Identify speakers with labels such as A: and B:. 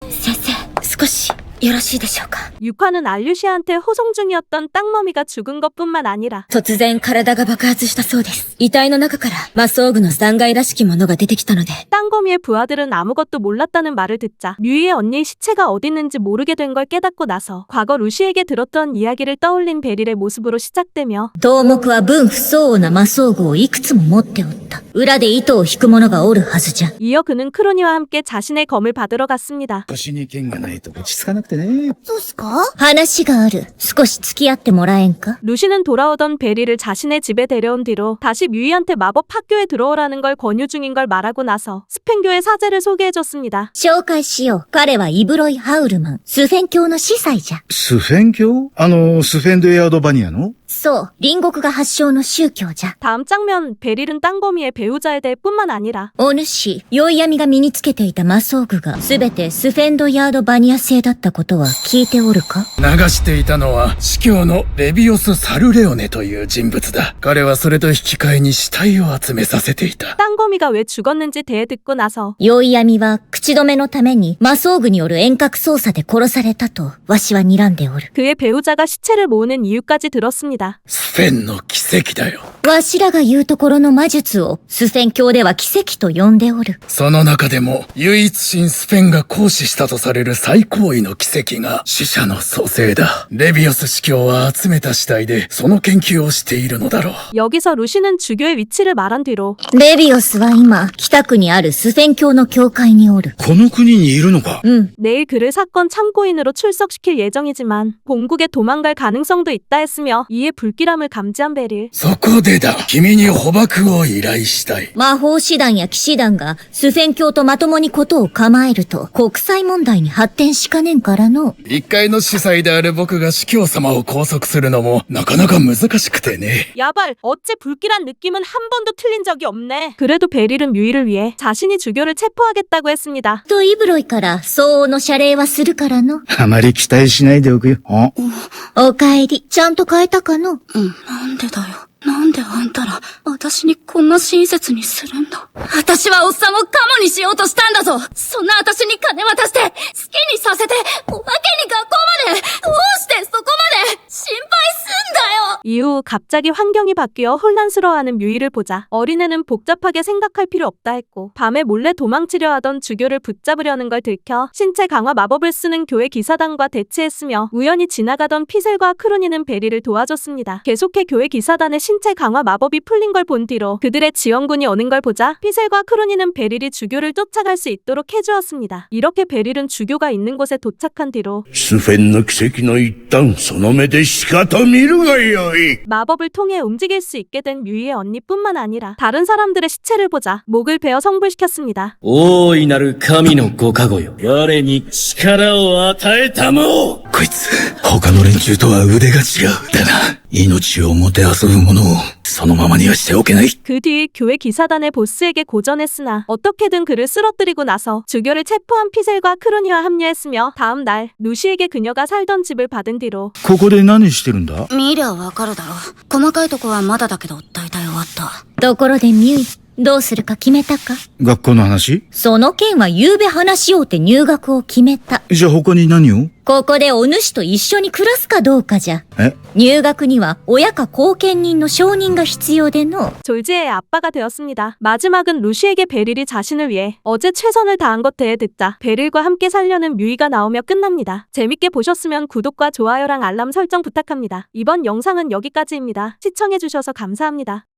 A: 先生、少しよろしいでしょうか。
B: 유카는 알류시아한테 호송 중이었던 땅머미가 죽은 것뿐만 아니라
A: 突然体が爆発したそうです。遺体の中から魔装具の残骸らしきものが出てきたので。
B: 땅거미의 부하들은 아무것도 몰랐다는 말을 듣자 뮤이의 언니의 시체가 어디 있는지 모르게 된 걸 깨닫고 나서 과거 루시에게 들었던 이야기를 떠올린 베릴의 모습으로 시작되며
A: 頭目は分不相応な魔装具をいくつも持っておった。裏で糸を引く者がおるはずじゃ。
B: 이어 그는 크로니와 함께 자신의 검을 받으러 갔습니다.
C: 腰に剣がないと落ち着かなくてね。
A: そうっすか？話がある。少し付き合ってもらえんか？
B: 루시는 돌아오던 베리를 자신의 집에 데려온 뒤로 다시 뮤이한테 마법 학교에 들어오라는 걸 권유 중인 걸 말하고 나서 스펜교의 사제를 소개해줬습니다.
A: 紹介しよう。彼はイブロイ・ハウルマン。スフェン教の司祭じゃ。
C: スフェン教？スフェンドエアドバニアの？
A: そう。隣国が発祥の宗教じゃ。
B: 다음 장면, 베릴은 땅거미의 배우자에 대해 뿐만 아니라
A: お主、宵闇が身につけていた魔装具がすべてスフェンドヤードバニア製だったことは聞いておるか？
D: 流していたのは司教のレビオス・サルレオネという人物だ。彼はそれと引き換えに死体を集めさせていた。
B: 땅거미가 왜 죽었는지 대해 듣고 나서
A: 宵闇は口止めのために魔装具による遠隔操作で殺されたとわしは睨んでおる。
B: 그의 배우자가 시체를 모으는 이유까지 들었습니다.
D: スフェンの奇跡だよ。
A: わしらが言うところの魔術をスフェン教では奇跡と呼んでおる。
D: その中でも唯一神スフェンが行使したとされる最高位の奇跡が死者の蘇生だ。レビオス司教は集めた死体でその研究をしているのだろう。
B: 여기서 루시는 주교의 위치를 말한 뒤로
A: レビオスは今、北区にあるスフェン教の教会におる。
C: この国にいるのか？
B: 내일 그를 사건 참고인으로 출석시킬 예정이지만 본국에 도망갈 가능성도 있다 했으며 이에 불길함을 감지한 베릴.
D: そこでだ。君に捕獲を依頼したい。
A: 魔法師団や騎士団がスフェン教とまともにことを構えると国際問題に発展しかねんからの。
D: 一階の司祭である僕が司教様を拘束するのもなかなか難しくてね。
B: 야발, 어째 불길한 느낌은 한 번도 틀린 적이 없네. 그래도 베릴은 뮤이를 위해 자신이 주교를 체포하겠다고 했습니다.
A: とイブロイから相応の謝礼はするからの。
C: あまり期待しないでおくよ。
A: お帰り、ちゃんと変えたかの？
E: なんでだよ。なんであんたら、私にこんな親切にするんだ。私はおっさんをカモにしようとしたんだぞ。そんな私に金渡して、好きにさせて、おまけに学校まで、どうしてそこまで、心配すんだよ。
B: 이후 갑자기 환경이 바뀌어 혼란스러워하는 뮤이를 보자 어린애는 복잡하게 생각할 필요 없다 했고 밤에 몰래 도망치려 하던 주교를 붙잡으려는 걸 들켜 신체 강화 마법을 쓰는 교회 기사단과 대치했으며 우연히 지나가던 피셀과 크로니는 베리를 도와줬습니다. 계속해 교회 기사단의 신체 강화 마법이 풀린 걸 본 뒤로 그들의 지원군이 오는 걸 보자 피셀과 크로니는 베릴이 주교를 쫓아갈 수 있도록 해주었습니다. 이렇게 베릴은 주교가 있는 곳에 도착한 뒤로
F: スフェンの奇跡の一端その目でしかと見るがよい。
B: 마법을 통해 움직일 수 있게 된 뮤이의 언니뿐만 아니라 다른 사람들의 시체를 보자 목을 베어 성불시켰습니다.
G: 大いなる神のご加護よ。我に力を与えたも。
D: こいつ、他の連中とは腕が違う。だな、命をもてあそぶ者をそのままにはしておけない。
B: 그 뒤 교회 기사단의 보스에게 고전했으나 어떻게든 그를 쓰러뜨리고 나서 주교를 체포한 피셀과 크로니와 합류했으며 다음 날 루시에게 그녀가 살던 집을 받은 뒤로
C: ここで何してるんだ？
E: 見りゃわかるだろ。細かいとこはまだだけど、大体終わった。
A: ところでミュイ、どうするか決めたか？
C: 学校の話？
A: その件は夕べ話しようって入学を決めた。
C: じゃあ他に何を？
A: ここでお主と一緒に暮らすかどうかじゃ。
C: え？
A: 入学には親か後見人の承認が必要での。
B: 졸지의 아빠가 되었습니다. 마지막은 루시에게 베릴이 자신을 위해 어제 최선을 다한 것 대해 듣자 베릴과 함께 살려는 뮤이가 나오며 끝납니다. 재밌게 보셨으면 구독과 좋아요랑 알람 설정 부탁합니다. 이번 영상은 여기까지입니다. 시청해주셔서 감사합니다.